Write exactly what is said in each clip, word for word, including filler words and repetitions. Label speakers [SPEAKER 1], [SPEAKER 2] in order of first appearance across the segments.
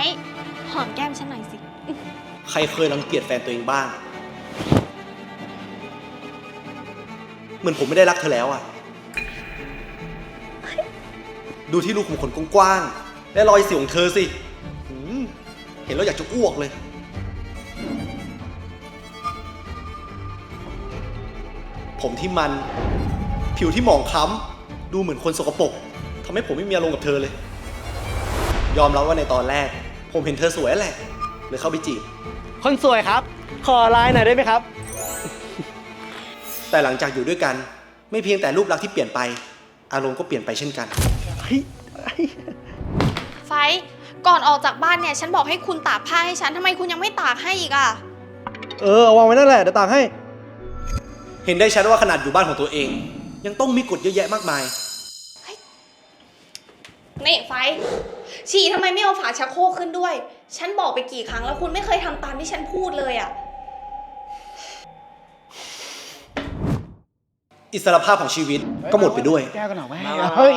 [SPEAKER 1] ท์หอมแก้มฉันหน่อยสิ
[SPEAKER 2] ใครเคยรังเกียจแฟนตัวเองบ้างเหมือนผมไม่ได้รักเธอแล้วอะดูที่รูขุมขนกว้างๆและรอยสิวของเธอสิเห็นแล้วอยากจะอ้วกเลยผมที่มันผิวที่หมองคล้ำดูเหมือนคนสกปรกทำให้ผมไม่มีอารมณ์กับเธอเลยยอมรับว่าในตอนแรกผมเห็นเธอสวยแหละเลยเข้าไปจีบ
[SPEAKER 3] คนสวยครับขอไลน์หน่อยได้ไหมครับ
[SPEAKER 2] แต่หลังจากอยู่ด้วยกันไม่เพียงแต่รูปลักษณ์ที่เปลี่ยนไปอารมณ์ก็เปลี่ยนไปเช่นกัน
[SPEAKER 1] ไฟก่อนออกจากบ้านเนี่ยฉันบอกให้คุณตากผ้าให้ฉันทำไมคุณยังไม่ตากให้อีกอ่ะ
[SPEAKER 3] เออเอาวางไว้นั่นแหละเดี๋ยวตากให้
[SPEAKER 2] เห็นได้ชัดว่าขนาดอยู่บ้านของตัวเองยังต้องมีกฎเยอะแยะมากมาย
[SPEAKER 1] นี่ไฟฉี่ทำไมไม่เอาฝาชักโครกขึ้นด้วยฉันบอกไปกี่ครั้งแล้วคุณไม่เคยทำตามที่ฉันพูดเลยอ่ะ
[SPEAKER 2] อิสรภาพของชีวิตก็หมดไปด้วย
[SPEAKER 3] แก้วกันหน่อยไหมเฮ้ย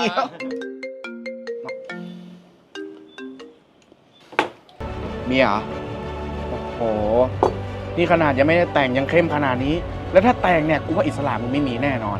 [SPEAKER 3] มีเหรอโอ้โหนี่ขนาดยังไม่ได้แต่งยังเข้มขนาดนี้แล้วถ้าแต่งเนี่ยกูว่าอิสระมึงไม่มีแน่นอน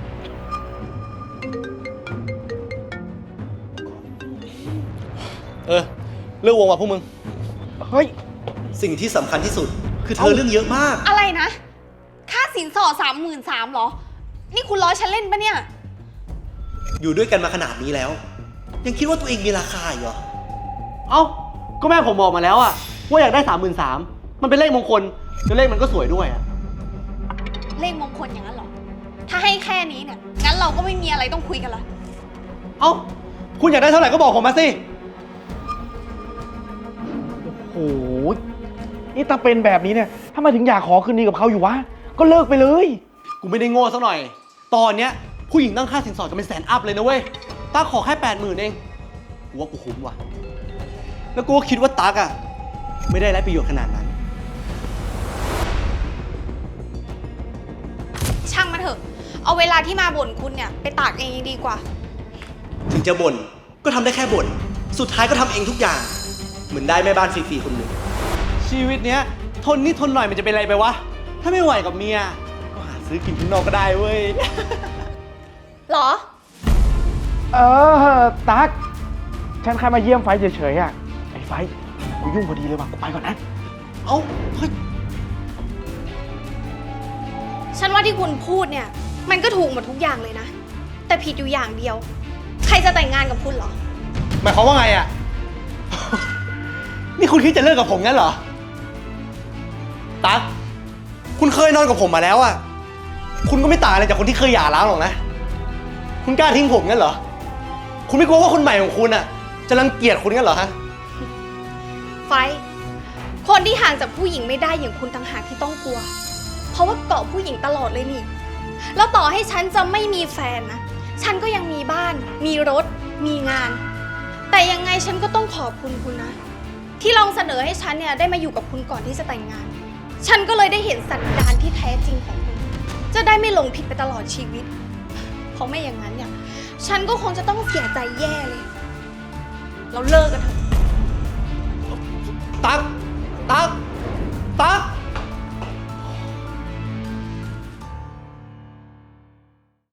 [SPEAKER 2] เออเรื่องวงว่ะพวกมึง
[SPEAKER 3] เฮ้ย
[SPEAKER 2] สิ่งที่สำคัญที่สุดคือเธอเรื่องเยอะมาก
[SPEAKER 1] อะไรนะค่าสินสอดสามหมื่นสามหรอนี่คุณล้อฉันเล่นปะเนี่ย
[SPEAKER 2] อยู่ด้วยกันมาขนาดนี้แล้วยังคิดว่าตัวเองมีราคาอยู่เหรอ
[SPEAKER 3] เอ้าก็แม่ผมบอกมาแล้วอะว่าอยากได้สามหมื่นสามมันเป็นเลขมงคลแล้วเลขมันก็สวยด้วยอะ
[SPEAKER 1] เลขมงคลอย่างนั้นหรอถ้าให้แค่นี้เนี่ยงั้นเราก็ไม่มีอะไรต้องคุยกันละ
[SPEAKER 3] เอ้าคุณอยากได้เท่าไหร่ก็บอกผมมาสิโอ้โหนี่ถ้าเป็นแบบนี้เนี่ยถ้ามาถึงอยากขอคืนดีกับเขาอยู่วะก็เลิกไปเลยกูไม่ได้โง่สักหน่อยตอนเนี้ยผู้หญิงตั้งค่าสินสอดกันเป็นแสนอัพเลยนะเว้ยตาขอแค่แปดหมื่นเองกูว่ากูคุ้มว่ะแล้วกูก็คิดว่าตั๊กอ่ะไม่ได้ไรประโยชน์ขนาดนั้น
[SPEAKER 1] ช่างมันเถอะเอาเวลาที่มาบ่นคุณเนี่ยไปตากเองดีกว่า
[SPEAKER 2] ถึงจะบ่นก็ทำได้แค่บ่นสุดท้ายก็ทำเองทุกอย่างเหมือนได้แม่บ้านฟรีๆคนหนึ่ง
[SPEAKER 3] ชีวิตเนี้ยทนนิดทนหน่อยมันจะเป็นไรไปวะถ้าไม่ไหวกับเมียก็หาซื้อกินข้างนอกก็ได้เว้ย
[SPEAKER 1] หรอ
[SPEAKER 3] เออตั๊กฉันแค่มาเยี่ยมไฟเฉยๆอ่ะไอ้ไฟกูยุ่งพอดีเลยว่ะกูไปก่อนนะ
[SPEAKER 2] เอ้าเฮ้ย
[SPEAKER 1] ฉันว่าที่คุณพูดเนี่ยมันก็ถูกหมดทุกอย่างเลยนะแต่ผิดอยู่อย่างเดียวใครจะแต่งงานกับคุณเหรอ
[SPEAKER 2] หมายความว่าไงอ่ะ นี่คุณคิดจะเลิกกับผมงั้นเหรอตั๊กคุณเคยนอนกับผมมาแล้วอ่ะคุณก็ไม่ต่างอะไรจากคนที่เคยหย่าร้างหรอกนะคุณกล้าทิ้งผมงั้นเหรอคุณไม่กลัวว่าคนใหม่ของคุณอ่ะจะรังเกียจคุณงั้นเหรอฮะ
[SPEAKER 1] ไฟคนที่ห่างจากผู้หญิงไม่ได้อย่างคุณต่างหากที่ต้องกลัวเพราะว่าเกาะผู้หญิงตลอดเลยนี่แล้วต่อให้ฉันจะไม่มีแฟนนะฉันก็ยังมีบ้านมีรถมีงานแต่ยังไงฉันก็ต้องขอบคุณคุณนะที่ลองเสนอให้ฉันเนี่ยได้มาอยู่กับคุณก่อนที่จะแต่งงานฉันก็เลยได้เห็นสันดานที่แท้จริงของคุณจะได้ไม่หลงผิดไปตลอดชีวิตเพราะไม่อย่างนั้นเนี่ยฉันก็คงจะต้องเสียใจแย่เลยเราเลิกกันเถอะ
[SPEAKER 2] ตั๊กตั๊ก